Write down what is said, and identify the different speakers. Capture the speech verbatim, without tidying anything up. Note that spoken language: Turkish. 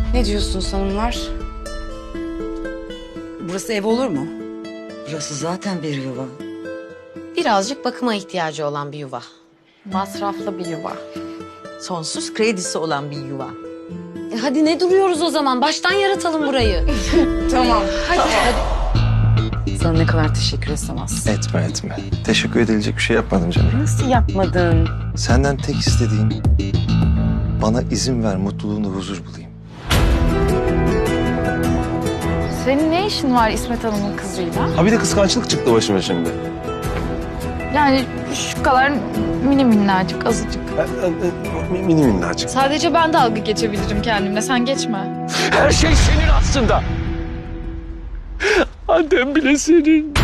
Speaker 1: Ne diyorsunuz hanımlar? Burası ev olur mu?
Speaker 2: Burası zaten bir yuva.
Speaker 3: Birazcık bakıma ihtiyacı olan bir yuva.
Speaker 4: Masraflı bir yuva.
Speaker 5: Sonsuz kredisi olan bir yuva.
Speaker 3: E hadi ne duruyoruz o zaman? Baştan yaratalım burayı.
Speaker 1: Tamam. Hadi. Hadi. Sana ne kadar teşekkür etsem az.
Speaker 6: Etme etme. Teşekkür edilecek bir şey yapmadım canım.
Speaker 1: Nasıl yapmadın?
Speaker 6: Senden tek istediğim bana izin ver mutluluğunda huzur bulayım.
Speaker 4: Senin ne işin var İsmet Hanım'ın kızıyla?
Speaker 7: Ha bir de kıskançlık çıktı başıma şimdi.
Speaker 4: Yani şu kadar mini minnacık, azıcık.
Speaker 7: Mini minnacık.
Speaker 4: Sadece ben dalga geçebilirim kendimle, sen geçme.
Speaker 7: Her şey senin aslında. Annem bile senin.